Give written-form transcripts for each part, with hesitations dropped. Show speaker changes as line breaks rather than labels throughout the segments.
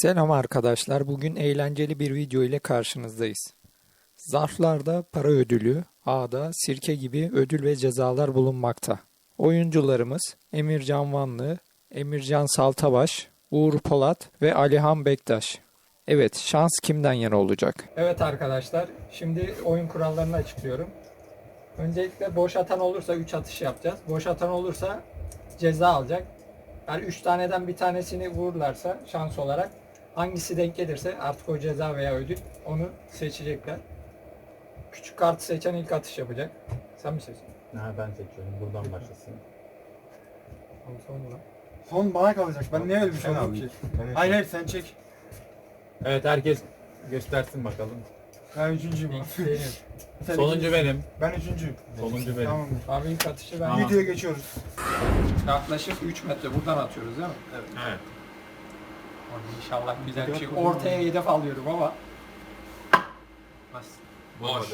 Selam arkadaşlar. Bugün eğlenceli bir video ile karşınızdayız. Zarflarda para ödülü, A'da sirke gibi ödül ve cezalar bulunmakta. Oyuncularımız Emircan Vanlı, Emircan Saltabaş, Uğur Polat ve Alihan Bektaş. Evet, şans kimden yana olacak? Evet arkadaşlar, şimdi oyun kurallarını açıklıyorum. Öncelikle boş atan olursa 3 atış yapacağız. Boş atan olursa ceza alacak. Yani 3 taneden bir tanesini vururlarsa şans olarak hangisi denk gelirse artık o ceza veya ödül onu seçecekler. Küçük kartı seçen ilk atış yapacak. Sen mi seçiyorsun?
Ha, ben seçiyorum. Buradan başlasın.
Sonra.
Son bana kalacak. Ben niye öyle bir şey
Sen
oldum
al.
ki?
Ben
Hayır hayır sen çek.
Evet, herkes göstersin bakalım.
Ben üçüncüyüm abi.
İlk benim.
Sen
Sonuncu
ikinci-
benim.
Ben üçüncüyüm.
Sonuncu benim.
Tamamdır.
Abi ilk atışı ben
Tamam.
Videoya geçiyoruz.
yaklaşık 3 metre buradan atıyoruz değil mi? Evet.
Evet.
İnşallah güzel bir şey.
Yok, yok.
Ortaya hedef alıyorum ama. Bas.
Boş.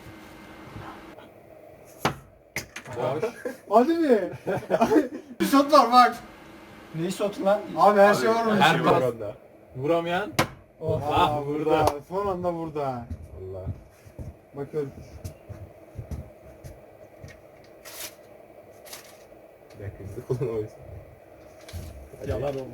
Boş.
Hadi mi? Bir shot var bak.
Neyi sotu lan?
Abi her şey var onun
Her
için.
pas. Vuramayan.
Oha.
Ah,
burada. Son anda burada.
Allah.
Bakıyorum.
Bir dakika, hızlı kullan o yüzden.
Yalan oldu.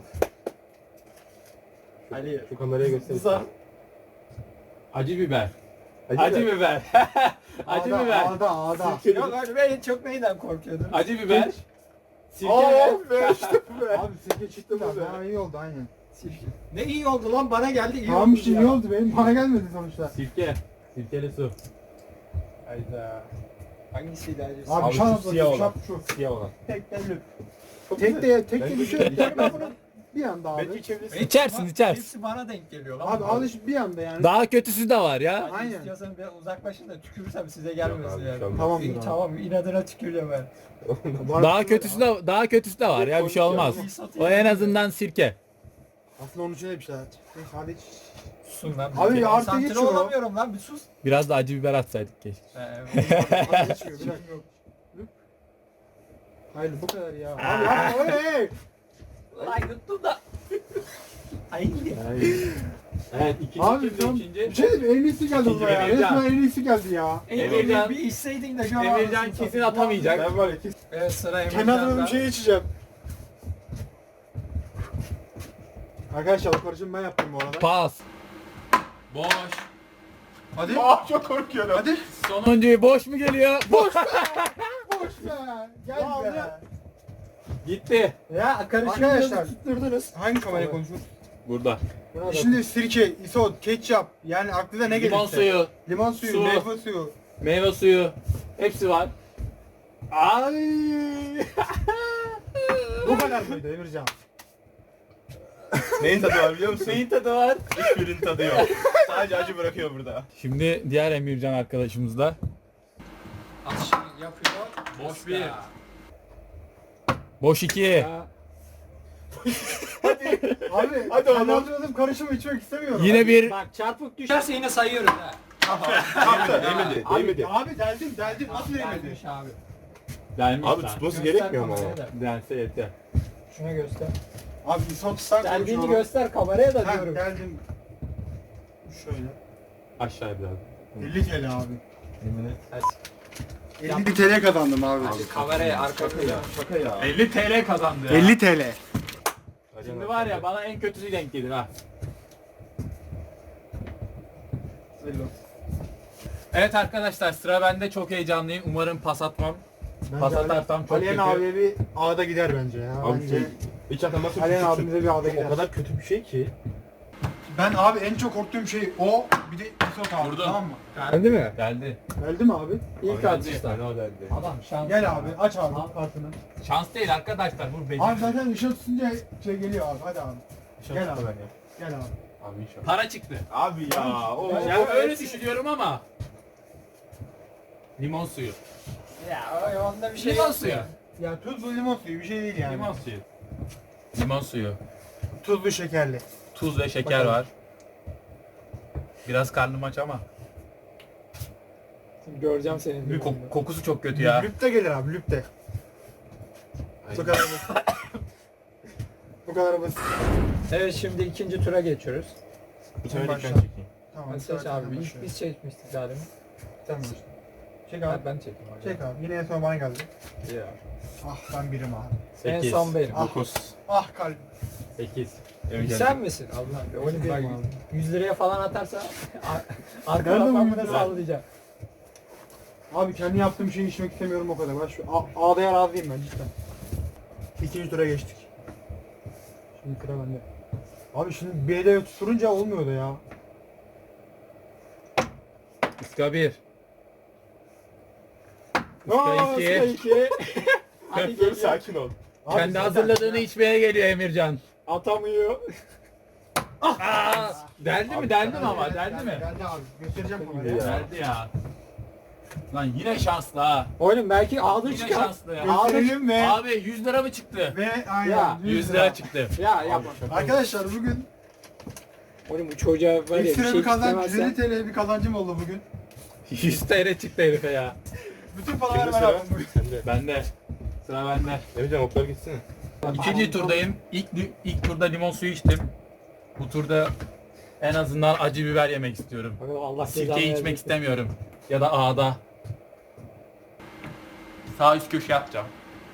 Ali.
Şu kameraya göster.
Uzak.
Acı biber. Acı biber. Acı
Ağda,
biber.
Ağda.
Yok abi ben çok neyden korkuyordum?
Acı biber. Sirke
Be işte be. Abi sirke çıktı mı? Daha iyi oldu aynen.
Ne iyi oldu lan bana geldi iyi
Tamam
oldu
işte
ya.
iyi oldu benim. Bana gelmedi sonuçta.
Sirke. Sirkeli su.
Hayda.
Hangisiydi acı?
Abi
Abi
şans
şu siyah
bakayım,
olan.
şap şu.
Siyah olan.
Tek belli. Tek de bir şey. Ben bunu bir anda abi.
Belki içebilirsin.
İçersin, içersin.
Hepsi bana denk geliyor lan.
Abi alış bir anda yani.
Daha kötüsü de var ya.
Hadi
Aynen.
istiyorsan biraz uzaklaşın da tükürürsem size gelmesin
abi,
yani.
tamam.
Tamamdır
İyi,
abi.
tamam inadına tükürüyorum ben.
Daha kötüsü de var ya, bir şey olmaz. O en azından sirke.
Aslında onun için de bir şey. Hadi iç.
Susun lan.
Abi
Bir
artı
konsantre
geçiyor.
olamıyorum lan bir sus.
Biraz da acı biber atsaydık keşke.
Hadi içmiyor bir dakika. Hayır bu kadar ya. Abi yapma hey.
Lan yuttum da. Ay.
Evet, ikinci
Abi
kimdi,
tam
ikinci?
bir şey diyeyim mi? En iyisi geldi
İkinci
buraya.
Emircan.
Resmen en iyisi geldi ya.
Emircan-
Bir içseydin de şu an
Emircan
ağzını
kesin
satayım.
atamayacak.
Ben var ya kesin.
Evet sıra
Kenarda bir
Emircan'da.
şey içeceğim. Arkadaşlar o karışımı ben yaptım bu arada.
Pas.
Boş.
Hadi.
Çok korkuyorum.
Hadi.
Sonuncuyu boş mu geliyor? Boş.
Boş be. Gel be.
Gitti.
Ya karışımı
Arkadaşlar.
tutturdunuz.
Hangi kameraya konuşuyoruz?
Burada.
Şimdi sirke, isot, ketçap yani aklına ne gelirse.
Limon suyu,
Limon suyu,
Su.
meyve suyu.
meyve suyu. Hepsi var.
Ay. Bu kadar mıydı Emircan?
Neyin tadı var biliyor musun?
Neyin tadı var?
Hiçbirinin tadı yok. Sadece acı bırakıyor burada.
Şimdi diğer Emircan arkadaşımız da.
Atışını yapıyor.
Boş bir.
Boş 2.
Abi
Hadi oğlum.
anladığım karışımı içmek istemiyorum.
Yine bir
Bak çarpık düşerse yine sayıyoruz ha.
Değmedi, değmedi.
Abi deldim nasıl değmedi?
Değmiş abi.
Gelmiş
Abi
lan.
tutması
Göster
gerekmiyor mu ama?
kameraya da.
Dense yeter.
Şuna göster.
Abi isot sen
Deldiğini
konuşuyorum.
göster kameraya da
Ha,
diyorum.
deldim. Şöyle.
Aşağıya biraz.
50 TL abi.
Yemin et.
50 TL kazandım abi.
Kameraya arka koyacağım.
Şaka ya.
50 TL kazandı ya.
50 TL.
Şimdi var ya, bana en kötüsü denk gelir ha. Evet arkadaşlar, sıra bende, çok heyecanlıyım. Umarım pas atmam. Pas atarsam çok
Aliyen
kötü.
abiye bir ağda gider bence ya.
Abi
Bence.
hiç ataması
Aliyen abimize bir ağda gider.
o kadar kötü bir şey ki.
Ben abi en çok korktuğum şey o bir de isot abi
Vurdun.
tamam mı?
Geldi mi?
Geldi.
Geldi mi abi?
İlk atışta.
O derdi.
Adam şans.
Gel abi aç abi kartını.
Şans değil arkadaşlar, bu beceri.
Abi zaten ışığı tutunca şey geliyor abi hadi abi. Gel abi.
Ben ya.
Gel abi.
Abi inşallah.
Para çıktı.
Abi ya. O.
Yani öyle düşünüyorum ama. Limon suyu.
Ya onda bir şey
Limon
yok
suyu.
ya.
Ya tuzlu limon suyu bir şey değil yani.
Limon suyu. Limon suyu.
Tuzlu şekerli.
Tuz ve şeker
Bakalım.
var. Biraz karnım aç ama.
Şimdi göreceğim senin.
Bir kokusu çok kötü ya.
Lüp de gelir abi lüp de.
Aynen.
Çok Bu kadar basit.
Evet, şimdi ikinci tura geçiyoruz.
Bu sefer
Başla.
ben çekeyim.
Tamam.
Hadi seç
zaten
abi.
ben
Biz,
başlıyorum.
biz çekmiştik daha demin.
Sen başla. Çek
Ha,
abi.
ben çekeyim. hadi.
Çek abi. Yine en son bana geldi.
Ya.
Ah ben birim abi.
En
8,
son benim.
9,
Ah kalbim.
8.
Sen misin? Allah'ım. Öyle
Benim
bak,
abi.
100 liraya falan atarsa arka
Nerede bu
rakamına
100 lira?
sallayacağım.
Abi kendi yaptığım şeyi içmek istemiyorum o kadar. Ben şu A'daya razıyım ben cidden. İkinci tura geçtik. Şimdi sıra bende. Abi şimdi B'de tutunca olmuyor da ya.
Iska 1.
Aa,
Iska
sıra
2.
iki. Hadi
Dur
geliyor.
sakin ol.
Abi
Kendi
zaten-
hazırladığını içmeye geliyor Emircan.
Atamıyor.
Aa, deldi mi? Deldi mi ama?
Geldi,
Deldi mi?
Geldi abi. Göstereceğim kameraya.
Ya.
Deldi ya. Lan yine şanslı ha.
Oğlum belki ağda
Yine
çıkar.
şanslı ya.
Gösterelim ve
Abi 100 lira mı çıktı?
ve aynen.
Ya,
100 lira çıktı.
Ya yapma.
Arkadaşlar bugün
Oğlum bu çocuğa var ya bir
ekstra
şey
bir kazanç,
istemezsen.
150 TL bir kazancım oldu bugün.
100 TL çıktı herife ya.
Bütün paraları
Kimde
ben
sıra?
aldım bugün.
Sende.
Bende. Sıra bende.
Emrecan oklar gitsene.
İkinci turdayım. İlk turda limon suyu içtim. Bu turda en azından acı biber yemek istiyorum.
Allah
Sirkeyi içmek istemiyorum. Ya da ağda. Sağ üst köşeye atacağım.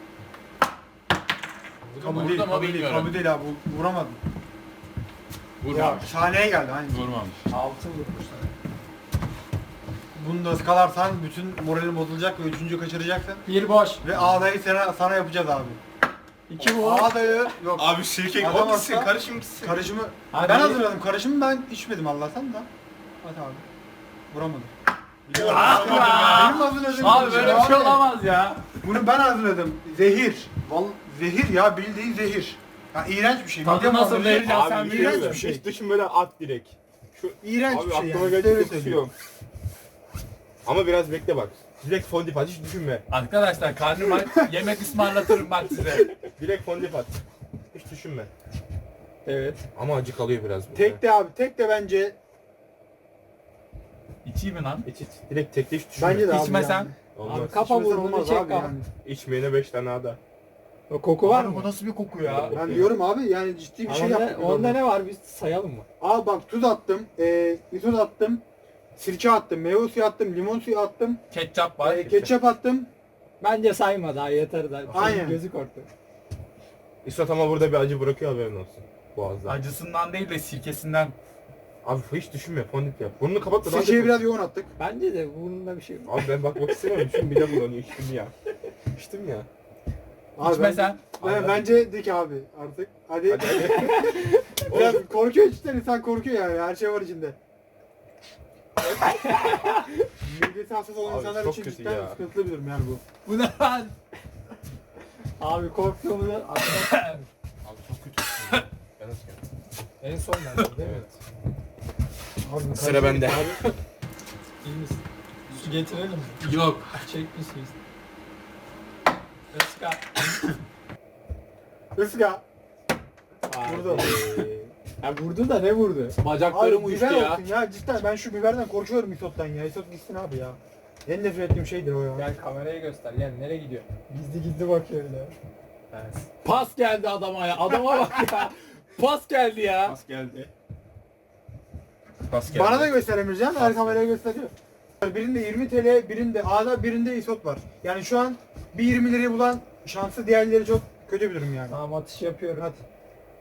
Kabul değil,
Vurdu mu
kabul değil,
bilmiyorum.
kabul değil abi. Vuramadım. Ya
Vurmamış.
şahaneye geldi aynı.
Vurmamış.
Altın vurmuş sana.
Bunu da ıskalarsan bütün moralin bozulacak ve üçüncü kaçıracaksın.
Bir boş.
Ve ağdayı sana yapacağız abi.
İki bu.
Ağdayı yok.
Abi sirke
Adam
o gitsin,
olsa-
karışım gitsin.
Karışımı
Hadi.
ben hazırladım. Karışımı ben içmedim Allah'tan da. Hadi abi. Vuramadım.
Ah be!
Benim hazırladığım
Abi
karışım
böyle bir şey
abi.
olamaz ya.
Bunu ben hazırladım. Zehir. Zehir ya, bildiğin zehir. Ya iğrenç bir şey.
Tadı
Midem
nasıl
bulanır.
vereceğim sen
Abi
iğrenç
iğrenç
bir şey.
Hiç düşünmeden at direkt. Şu
İğrenç
abi
bir şey
aklıma
yani.
geldi
Öyle
çok
söyleyeyim.
tutuyorum. Ama biraz bekle bak. Direkt fondip at, hiç düşünme.
Arkadaşlar karnım aç. Yemek ısmarlatırım bak size.
Direkt fondip at. Hiç düşünme.
Evet.
Ama acı kalıyor biraz.
Tek de abi, tek de bence
İçeyim mi lan?
İç iç. Direkt tekte hiç düşünme.
bence de abi.
İçmesem?
yani.
Olmaz.
Abi kafa
İçmesen
vurduğunu
olmaz
çek
abi
abi.
yani.
İçmeyene 5 tane ada.
O koku var
Abi
mı?
bu nasıl bir koku ya? Ben diyorum abi yani ciddi bir şey
Onda,
yaptık.
onda ne var biz sayalım mı?
Abi bak tuz attım, isot attım, sirke attım, meyve suyu attım, limon suyu attım,
Ketçap var.
ketçap attım.
Bence sayma daha yeter daha.
Aynen.
Gözü korktu.
İsot ama burada bir acı bırakıyor, haberin olsun. Boğazda.
Acısından değil de sirkesinden.
Abi hiç düşünme, fondip yap. Burnunu kapat da daha
Sirkeyi
çok-
biraz yoğun attık.
Bence de burnunda bir şey var.
Abi ben bakmak istemiyorum. Şu midem bulanıyor, içtim ya. İçtim ya.
Abi
İçmesen.
bence dik abi artık. Hadi.
Hadi hadi.
Biraz korkuyor içten, insan korkuyor yani, her şey var içinde. Midesi hassas olan
Abi
insanlar
çok
için
kötü
cidden
ya.
sıkıntılı bir durum yani bu.
Bu ne lan?
Abi korktuğumuzu
Abi çok kötü. Ben nasıl
en son bence değil mi?
Evet.
Abi,
Sıra bende.
Abi, iyi misin? Su getirelim mi?
Yok.
Çekmişsiniz. Iska.
Iska.
Vurdu. Ya vurdu da ne vurdu?
Bacaklarım
Abi
uyuştu
biber
ya.
olsun ya cidden, ben şu biberden korkuyorum isottan ya. Isot gitsin abi ya. En nefret ettiğim şeydir o ya.
Gel kameraya göster. Gel nereye gidiyor? Gizli gizli bakıyor öyle.
Pas geldi adama ya. Adama bak ya. Pas geldi ya.
Pas geldi. Pas geldi.
Bana da gösteremeyeceğim, her kameraya gösteriyor. Birinde 20 TL, birinde A'da, birinde isot var. Yani şu an bir 20 lirayı bulan şansı, diğerleri çok kötü bir durum yani.
Tamam atış yapıyorum.
Hadi.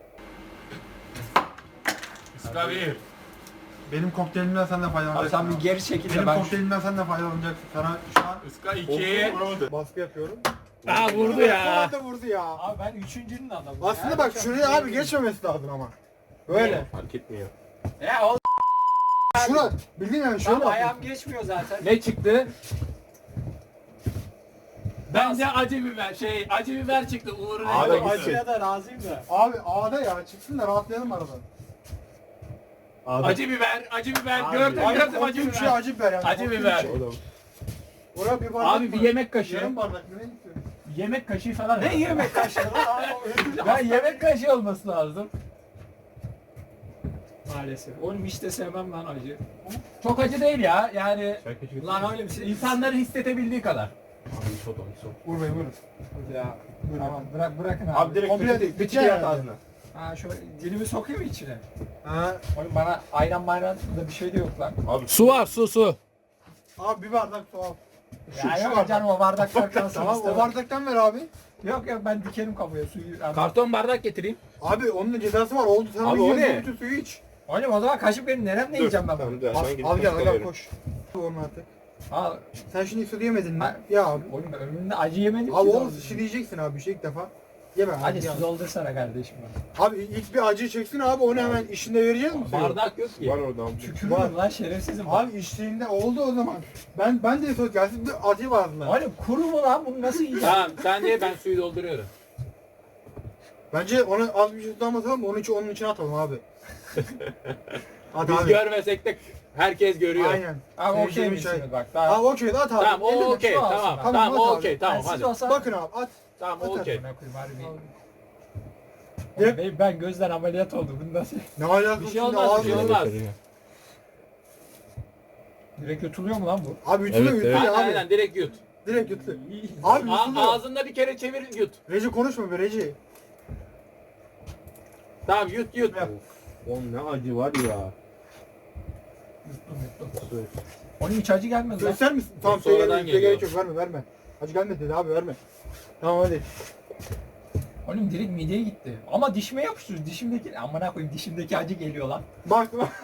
Iska bir.
Benim kokteylimden sen de
Abi
faydalanacaksın.
sen bir geri çekil de
Benim
ben
kokteylimden sen de faydalanacaksın. Sana şu an
Iska 2.
baskı yapıyorum.
Aa vurdu ya.
Vurdu, vurdu ya.
Abi ben üçüncünün adamıyım.
Aslında bak şuraya abi geçmemesi lazım ama. Böyle.
Fark etmiyor.
Ya oğlum
Şuna bildiğin yani şöyle.
tam ayağım geçmiyor zaten.
Ne çıktı? Bence acı biber. Acı biber çıktı. Uğur'un
Ağda
en
gitsin.
Acıya da razıyım da.
Abi A'da ya, çıksın da rahatlayalım arada.
Acı biber, acı biber.
Abi,
Gördüm,
Abi
gördüm acı
korkunç şey,
biber.
acı biber yani.
Acı
korkunç
biber.
şey.
Oğlum.
Oraya bir bardak
Abi bir
mı?
yemek kaşığı.
Yarım bardak mı ne istiyorsun?
Yemek kaşığı falan.
Ne yemek kaşığı lan abi?
Ben yemek kaşığı olması lazım.
Maalesef. Oğlum hiç de sevmem lan acı.
Çok acı değil ya. Yani
Şarkı çıktı.
Lan öyle bir şey.
insanların hissedebildiği kadar.
Abi isot o isot.
Vurmayın vurun.
Ya. Tamam bırakın abi.
Abi direkt
Komple
komple
değil,
bir
bitiyor
şey at
yani.
ağzına.
Ha şöyle dilimi sokayım mı içine?
Ha.
Oğlum bana ayran mayran da bir şey de yok lan.
Abi
Su var, su.
Abi bir bardak su al.
Ya
şu
yok
bardak.
canım o bardaklar kalsın.
Tamam o
istemem.
bardaktan ver abi.
Yok yok ben dikerim kafaya suyu.
Karton bardak getireyim.
Abi onun da cezası var. Oldu sen
Abi
onu
o
yiyorsun,
ne?
bütün suyu iç.
Oğlum o zaman kaşık benim neremle yiyeceğim ben bunu?
Tamam, dur,
Al,
ben gidip
al gel
kaşık
al gel
alıyorum.
koş. Onu artık.
Al.
Sen şimdi su yemedin mi?
Ha.
Ya abi.
Oğlum ben ömrümde acı yemedim
Abi
ki.
oğlum şişleyeceksin abi bir şey ilk defa. Yeme abi.
Hadi
ya.
su doldursana kardeşim bana.
Abi ilk bir acı çeksin abi onu hemen işinde vereceğiz mi? suyu?
Bardak yok ki.
Var orada abi.
Tükürürüm lan şerefsizim.
Abi içtiğinde oldu o zaman. Ben de söz gelsin bir acı vardı lan.
Oğlum kuru mu lan bunu nasıl yiyeceğim?
Tamam sen ye ben suyu dolduruyorum.
Bence ona az bir şey tutamatalım onun içine atalım abi. Hadi
Biz
abi.
görmesek de herkes görüyor.
Aynen.
Abi okey
Sevdiğim
misiniz
şey.
bak daha.
Abi okey at abi.
Tamam o
Elinde
okey
su alsın
tamam.
ben.
Tamam
Tamam,
o
at
okey
abi.
tamam
Ben siz
hadi.
olsam-
Bakın abi at.
Tamam o
Atar.
okey.
Amına koyayım harbi.
Direkt-
Oğlum ben gözden ameliyat oldum. Bunu nasıl?
Ne alakası
Bir şey
şimdi
olmaz bir şey
ağzına-
olmaz.
Direkt yutuluyor mu lan bu?
Abi ütülü
Evet,
ütülü
evet.
ya abi.
Aynen direkt yut.
Direkt ütülü. Abi ütülü.
Ağzında bir kere çevir yut.
Reci konuşma be Reci.
Tamam yut yut.
Oğlum ne acı var ya.
Onun hiç acı gelmez lan.
Göster misin? Tamam
sonradan
söyleyelim.
geliyor.
Gerek yok verme. Acı gelmedi dedi abi verme. Tamam hadi.
Oğlum direkt mideye gitti. Ama dişime yapıştırıyor. Dişimdeki amına koyayım dişimdeki acı geliyor lan.
Bak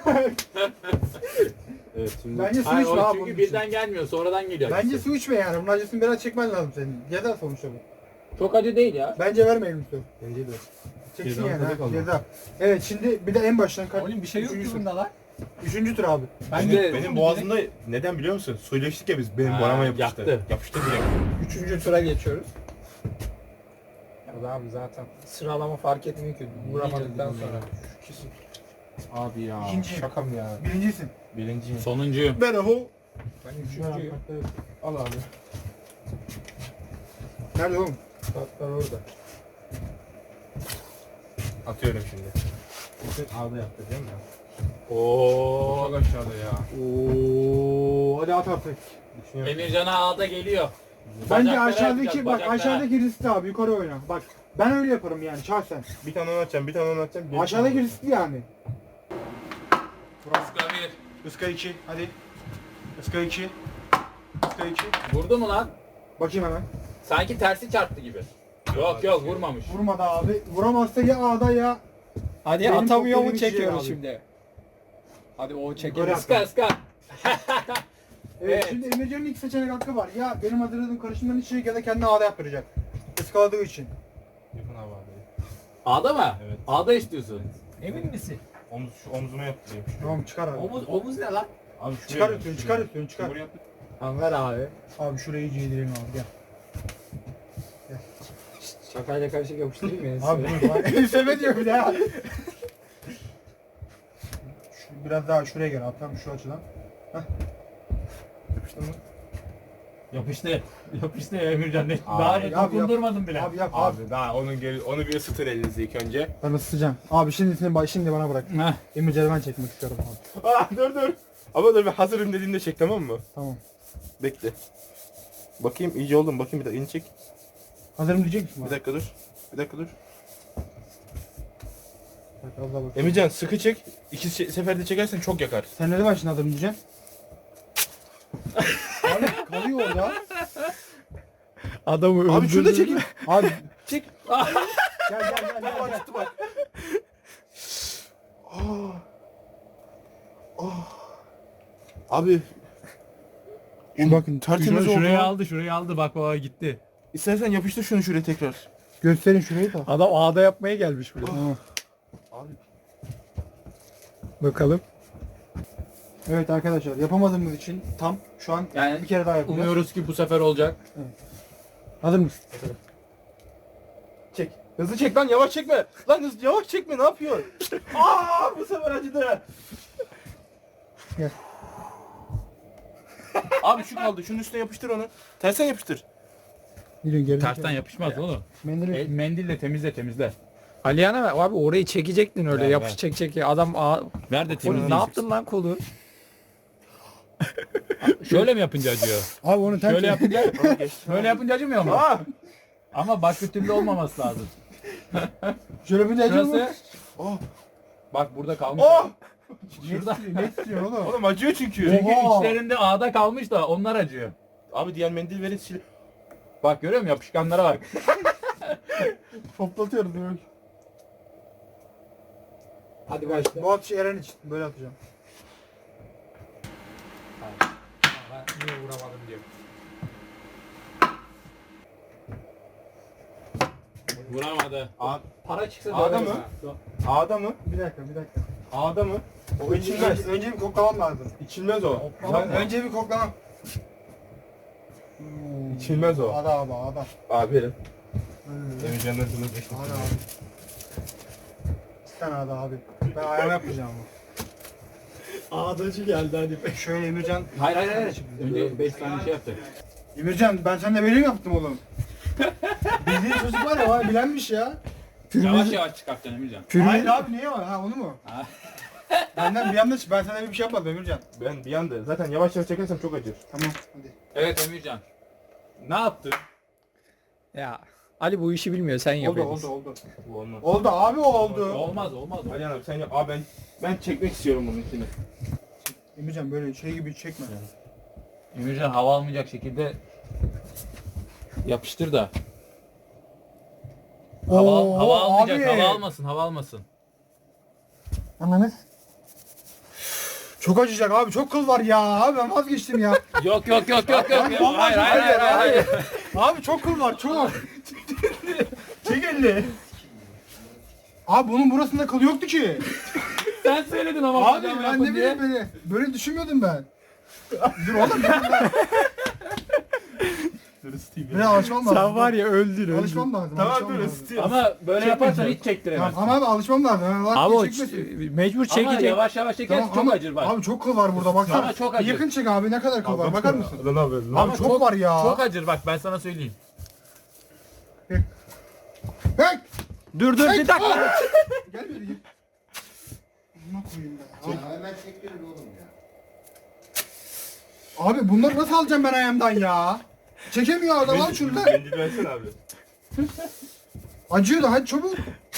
Evet şimdi.
bence su
Hayır,
içme
o
abi.
çünkü
bunun
birden
için.
gelmiyor sonradan geliyor.
Bence
acısı.
su içme yani. Bunun acısını biraz çekmen lazım senin. Ceza sonuçta bu.
Çok acı değil ya.
Bence vermeyelim su.
Bence de.
Çeksin
Ceza
yani
tadı
ha.
kaldı.
Ceza. Evet şimdi bir de en baştan kaç.
Oğlum bir şey yok ki
Üçüncü tur.
bunda lan.
Üçüncü tur abi.
Ben
İşte
yuttum
Benim
mu
boğazımda neden biliyor musun? Suyla içtik ya biz. Benim
Ha,
boğazıma yapıştı.
yaktı.
Yapıştı direkt.
direkt? Üçüncü tura geçiyoruz. Ya abi zaten sıralama fark etmiyor ki. Vuramadıktan sonra.
Abi ya.
İkinciyim.
Şaka mı ya?
Birincisin.
Birinciyim.
Sonuncuyum.
Ben o.
Ben üçüncüyüm.
Al abi.
Nerede oğlum?
Kartlar orada.
Atıyorum şimdi. Ağda yaptı değil mi?
Oo.
Çok aşağıda ya.
Oo, hadi at artık.
Düşünüyorum.
Emircan'a ağda geliyor.
Bence
Bacaklara
aşağıdaki
yapacağız,
bak
bacaklara.
aşağıdaki riskli abi yukarı oyna. Bak ben öyle yaparım yani şahsen.
Bir tane onu atacağım, bir tane onu atacağım. gerisi
Aşağıdaki
onu.
riskli yani.
Iska bir.
Iska 2 hadi. Iska 2. Iska 2.
Vurdu mu lan?
Bakayım hemen.
Sanki tersi çarptı gibi. Yok yok vurmamış.
Vurmadı abi. Vuramazsa ya A'da ya.
Hadi
Benim
atamıyor
çok
mu
benim içeceğim
çekiyoruz
abi.
şimdi. Hadi o
Yukarı
çekelim.
at.
Iska ıska.
Evet,
Evet.
şimdi Emircan'ın iki seçenek hakkı var. Ya benim hazırladığım karışımdan içecek ya da kendi A'da yaptıracak. Iskaladığı için.
Yakın abi abi.
Ağda mı?
Evet.
Ağda istiyorsun.
Emin misin?
Şu omzuma yaptırayım.
Tamam çıkar abi.
Omuz ne lan?
Abi
Çıkar üstünü, çıkar üstünü, çıkar.
Buraya yaptır.
Tamam ver abi.
Abi şurayı iyice yedirelim abi gel.
Şakayla karışık yapıştırayım ya.
Abi dur bak. Enseme diyor bir daha. Biraz daha şuraya gel abi tam şu açıdan.
Yapıştın mı?
Yapıştı. Yapıştı Emircan.
Daha
yap, yap.
dokundurmadım bile.
Abi yap abi.
Abi daha onu bir ısıtır elinizi ilk önce.
Ben ısıtacağım. Abi şimdi bana bırak.
Heh.
Emircan'ı ben çekmek istiyorum abi.
Dur. Ama dur bir hazırım dediğinde çek tamam mı?
Tamam.
Bekle. Bakayım iyice oldu mu? Bakayım bir dakika elini çek.
Hazırım diyecek misin
Bir
bana?
dakika dur. Bir dakika dur.
Bak, az daha bak.
Emircan sıkı çek. İki seferde çekersen çok yakar.
Sen ne zaman şimdi hazırım diyeceksin? Abi kalıyor orada.
Adamı
Abi şunu da çekin.
Abi
Çek.
gel.
Bak gitti bak. Abi
Şu bakın
tertemiz oldu.
Şurayı aldı bak baba gitti.
İstersen yapıştır şunu şuraya tekrar.
gösterin şurayı da.
Adam ağda yapmaya gelmiş buraya.
Tamam.
Abi
Bakalım.
Evet arkadaşlar yapamadığımız için tam şu an
Yani
bir kere daha yapacağız.
Umuyoruz ki bu sefer olacak.
Hazır mısın?
çek. Hızlı çek lan yavaş çekme. Lan hızlı yavaş çekme ne yapıyorsun? Bu sefer acıdı.
Gel.
Abi şu kaldı. Şunun üstüne yapıştır onu. Tersen yapıştır.
Yürüyün geri.
Tersten yapışmaz oğlum.
Mendil.
Mendille temizle.
Aliyana abi orayı çekecektin öyle
Ver,
yapış çek. Adam
Ver de
Oğlum,
temizle.
ne yaptın lan kolu?
Şöyle mi yapınca acıyor?
Abi onu
Şöyle yapınca
Abi geçti.
böyle yapınca acımıyor mu? Ama başka türlü olmaması lazım.
Şöyle bir de
Şurası.
Oh.
Bak burada kalmış.
Oh.
Şurada.
Ne istiyor oğlum?
Oğlum acıyor çünkü.
Çünkü
Oha.
içlerinde ağda kalmış da onlar acıyor.
Abi diğer mendil verin sil.
Bak görüyor musun yapışkanlara bak.
Toplatıyoruz böyle.
Hadi başla.
Bu atışı Eren için böyle atacağım.
Ben niye vuramadım diyor.
Vuramadı.
Para çıksa
Ağda
döveriz
mı?
ha.
Ağda mı?
Bir dakika.
Ağda mı? O içilmez.
Önce bir koklamam lazım.
İçilmez o.
Önce bir koklamam.
İçilmez o.
Ada abi ada.
Abi verin. Emircan'dan sana geçtim.
Ada abi. Bir tane ada abi. Ben ayağımı yapmayacağım bu.
Ağdacı geldi hadi.
Şöyle Emircan.
Hayır hayır hayır. Önce 5 tane şey yaptık.
Emircan ben seninle böyle mi yaptım oğlum? Bildiğin çocuk var ya var bilenmiş ya.
Yavaş yavaş çıkartacaksın Emircan.
Hayır abi niye var? Ha onu mu?
Ha.
Benden bir anda ben sana bir şey yapmadım Emircan.
Ben bir anda zaten yavaş yavaş çekersem çok acır.
Tamam hadi.
Evet Emircan. Ne yaptın?
Ya Ali bu işi bilmiyor sen
Oldu
yapıyorsun.
oldu oldu.
Bu olmaz.
Oldu abi oldu.
Olmaz olmaz.
Ali abi sen yap. Abi ben çekmek istiyorum bunun içini.
Emircan böyle şey gibi çekme.
Emircan hava almayacak şekilde yapıştır da. Hava almayacak,
abi.
hava almasın, hava almasın.
Anladın? Çok acıyacak abi çok kıl var ya abi ben vazgeçtim ya.
Yok yok yok yok yok.
Abi, vallahi
Hayır hayır hayır hayır.
Abi çok kıl var çok. Çek elini. Abi bunun burasında kıl yoktu ki.
Sen söyledin ama
Abi
hocam
ben
yapın
ne
diye.
bileyim böyle. Böyle düşünmüyordum ben. Dur oğlum ben.
Dur ısıtayım
Buraya alışmam lazım.
Sen var ya öldün
Alışmam lazım.
Tamam
alışmam
dur
lazım.
ısıtayım.
Ama böyle yaparsan hiç çektiremezsin.
Tamam ama abi alışmam lazım. Yani
Abi o
çekmesin.
mecbur
Ama
çekecek.
yavaş yavaş çekersin
Tamam,
çok
ama-
acır bak.
Abi çok kıl var burada baksana.
Ama çok acır.
Yakın çek abi ne kadar kıl var bakar mısın?
Lan abi. Lan
Abi çok var ya.
Çok acır bak ben sana söyleyeyim.
Hey!
Dur dur bir dakika.
Gel böyle gel. Buna koyayım ben. Abi.
Hemen çektirin oğlum ya.
Abi bunları nasıl alacağım ben ayağımdan ya? Çekemiyor adam al şunu da.
Mendil versene abi.
Acıyor da hadi çabuk.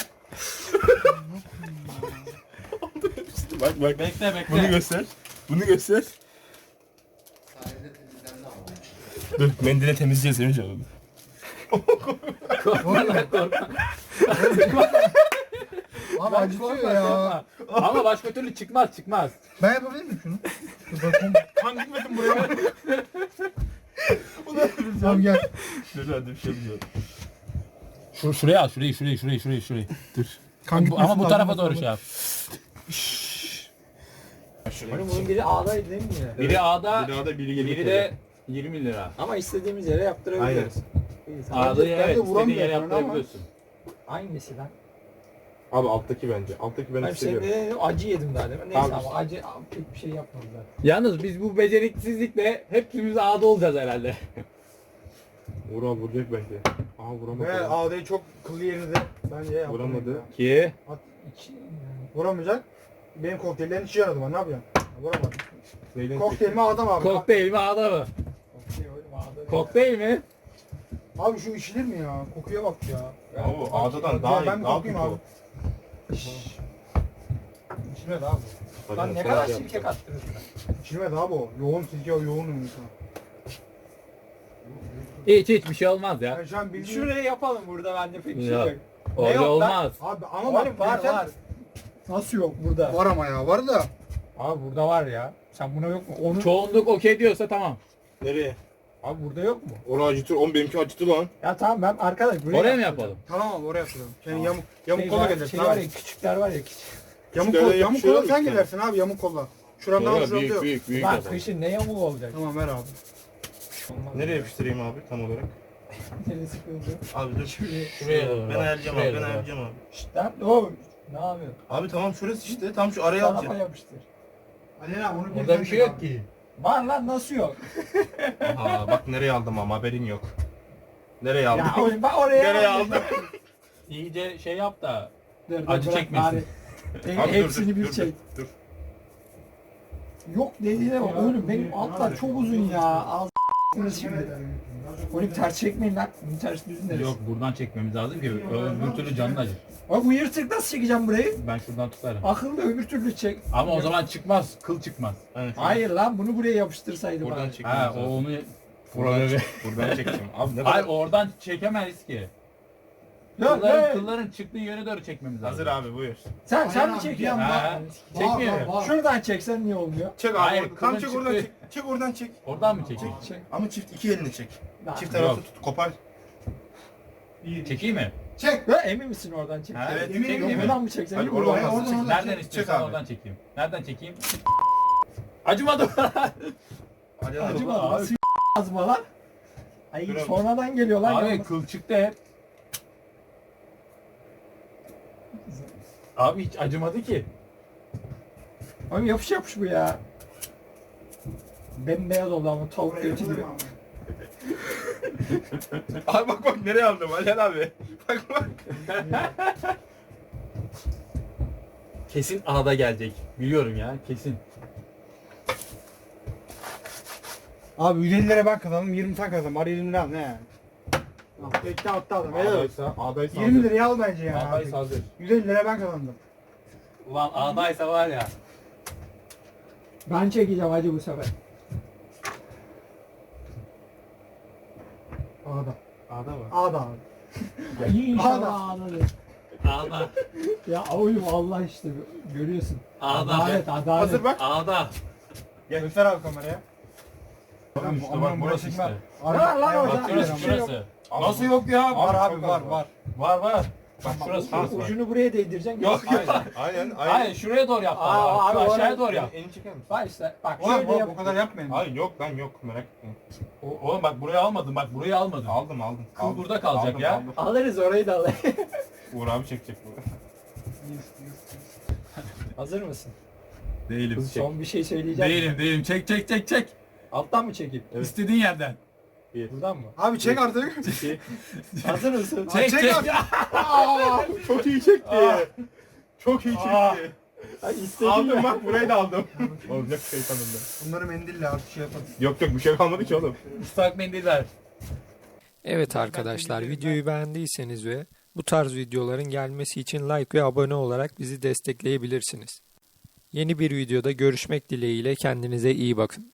Bak bak.
Bekle bekle.
Bunu göster. Bunu göster.
Sahilde temizlendi ama.
Dur mendile temizleyeceğiz Emircan onu.
Korkma lan korkma.
Abi
Bak,
acıtıyor
korkma,
ya.
korkma. Ama başka türlü çıkmaz çıkmaz.
Ben yapabilir miyim şunu? Dur bakayım. Kan gitmedim buraya. Tamam gel.
Dur hadi bir şey diyeceğim.
Şuraya al şurayı. Dur.
Kan gitmesin
Ama bu
lazım.
tarafa doğru şey yap.
Oğlum bunun biri A'daydı değil mi yine?
Biri A'da,
Bir daha da biri gelip
biri de 20 lira.
Ama istediğimiz yere yaptırabiliriz. İyi, tamam.
A'dayı
ben de
evet istediğin
vuramıyorum
yere
ama.
yaptırabiliyorsun.
Hangisi lan?
Abi alttaki bence. Alttaki ben
Hayır
hissediyorum.
senin de acı yedim daha demin. Neyse
Abi.
ama acı pek bir şey yapmadılar.
Yalnız biz bu beceriksizlikle hepimiz A'da olacağız herhalde.
Vural vuracak bence. Aha vuramadı.
Ve ağdayı çok kıllı yerinde bence yaptım.
Vuramadı.
ya.
Ki
İki,
Vuramayacak. Benim kokteyllerin içi yaradı bana ne yapacağım? Vuramadım.
Neyden
Kokteylimi adam abi.
kokteyl mi A'da mı?
Kokteyl oğlum A'da.
Kokteyl mi?
Abi şu içilir mi ya? Kokuya bak ya.
Abi A'dadan
Ya
daha iyi.
ben bir
Daha
kokayım
kötü
abi.
o.
İçilmedi abi.
Lan ne kadar sirke kattınız lan.
İçilmedi abi o. Yoğun sirke o yoğun insan.
Hiç bir şey olmaz ya.
Ben şu an bildiğin...
Şuraya yapalım burada bende pek bir şey
Ya.
yok.
Öyle
yok lan?
olmaz.
Abi ama
Oğlum
bak
var
zaten-
var. Nasıl yok burada?
Var ama ya var da.
Abi burada var ya. Sen buna yok mu? Onu...
Çoğunluk okey diyorsa tamam.
Nereye?
Abi burada yok mu?
Onu acıtır. Oğlum benimki acıtı lan.
Ya tamam ben arkadaş buraya
Oraya mı
yaptıracağım.
yapalım?
Tamam abi oraya yapıyorum. Senin yamuk
Şey
kolla
var-
gelirsin
şey var
abi.
ya küçükler var ya küçük.
Yamuk
Şöyle
kolla, yamuk
yapışıyor
kolla
mu
sen
bir tane?
gidersin abi yamuk kolla. Şuramdan al şuramda yok.
Büyük
Lan
yapalım.
kışın ne yamuğu olacak?
Tamam ver abi.
Olmaz.
Nereye yapıştırayım abi tam olarak?
Neresi sıkıldı?
Abi dur.
Şuraya doğru.
Ben
bak,
ayarlayacağım
şuraya
abi. Ben
doğru.
ayarlayacağım abi.
Şşt lan oğlum. Ne yapıyorsun?
Abi tamam şurası işte. Tam şu araya
Tarafa
alacağım.
yapıştır.
Alena onu
Burada bir şey yok ki.
Var lan nasıl yok?
Aha bak nereye aldım ama haberin yok. Nereye aldım?
Ya oğlum bak oraya
Nereye
aldım.
aldım?
İyice şey yap da
Dur, dur,
acı
bırak
çekmesin.
bari.
Abi dur,
Hepsini
dur,
bir
dur,
çek.
Dur.
Yok dediğine bak oğlum benim altlar çok uzun ya. Al şimdi. Oğlum ters çekmeyin lan. Bunu ters düzün
Yok buradan çekmemiz lazım ki öbür türlü canın acır.
Bak bu yırtık nasıl çekeceğim burayı?
Ben şuradan tutarım.
Akıllı öbür türlü çek.
Ama o zaman çıkmaz, kıl çıkmaz.
Hayır lan bunu buraya yapıştırsaydım
Buradan
abi.
çekmemiz
Ha o
lazım.
onu
Buradan çekeceğim. Abi ne
Hayır
kadar...
oradan çekemeyiz ki.
Ya,
Kılların çıktığı yöne doğru çekmemiz lazım.
Hazır abi buyur.
sen mi
abi,
çekiyorsun?
bir an
Ha, çekmiyor.
Şuradan çeksen niye olmuyor?
Çek abi.
Hayır,
Tam
kılın
çek oradan
çıktı.
çek. Çek oradan çek.
Oradan mı çekeyim?
Çek.
Ama çift iki elini çek.
Lan.
Çift tarafta
Yok.
tut. Kopar.
Çekeyim mi?
Çek.
Ya, emin misin oradan çek?
Ha,
Evet,
çekeyim mi?
Buradan mı çeksen?
Hayır,
Buradan.
oradan
Oradan, oradan.
Nereden
çek
istiyorsan
abi.
oradan çekeyim. Nereden çekeyim? Acımadı.
Hadi
Acıma
Abi.
abi. Azma lan. Ay
Dur abi.
sonradan geliyor lan.
Abi
yalnız.
kıl çıktı hep. Abi hiç acımadı ki.
Abi yapış bu ya. Bembeyaz oldu ama tavuk götü gibi.
Abi bak nereye aldım Alel abi. Bak bak.
Kesin A'da gelecek. Biliyorum ya kesin.
Abi 150 lira ben kazandım, 20 sen kazandın. Bari 20 lira al ne yani? Bekle attı adam. Helal olsun.
A'daysa
20 liraya al bence ya.
A'daysa hazır.
150 lira ben kazandım.
Ulan A'daysa var ya.
Ben çekeceğim hacı bu sefer.
A'da.
A'da mı?
A'da abi.
İnşallah ağladı.
A'da.
Ya oğlum Allah işte görüyorsun.
A'da.
Adalet adalet.
Hazır bak.
A'da.
Göster abi kameraya.
Tamam işte bak burası işte.
Ne var lan orada?
Bak şurası
Bir şey yok.
şurası. Nasıl yok ya?
Var abi
çok
var
az
var.
Var var. Bak şurası
Tamam,
şurası var.
ucunu buraya değdireceksin.
Yok
Hayır.
Aynen
Hayır şuraya doğru yap.
Aa,
Şu
abi,
aşağıya
oraya-
doğru yap.
Elini çeker misin?
Bak işte bak
Ulan
şöyle yap.
bu kadar yapmayın.
Hayır yok ben yok merak etme.
Oğlum bak buraya almadım. Bak buraya almadım.
Aldım.
Kıl
Aldım.
burada kalacak
Aldım,
ya.
aldım.
Alırız orayı da alırız.
Uğur abi çekecek bu.
Hazır mısın?
Değilim.
Son bir şey söyleyeceğim.
Değilim. Çek.
Alttan mı çekeyim?
İstediğin yerden.
Buradan mı?
Abi çek artık.
Hazır mısın?
Çek.
Çok iyi çekti. Çok iyi çekti.
Ay, istediğin
Aldım bak burayı da aldım. Olacak şeytanında.
Bunları mendille artık şey yapalım.
Yok bir şey kalmadı ki oğlum.
Islak mendil ver.
Evet arkadaşlar videoyu beğendiyseniz ve bu tarz videoların gelmesi için like ve abone olarak bizi destekleyebilirsiniz. Yeni bir videoda görüşmek dileğiyle kendinize iyi bakın.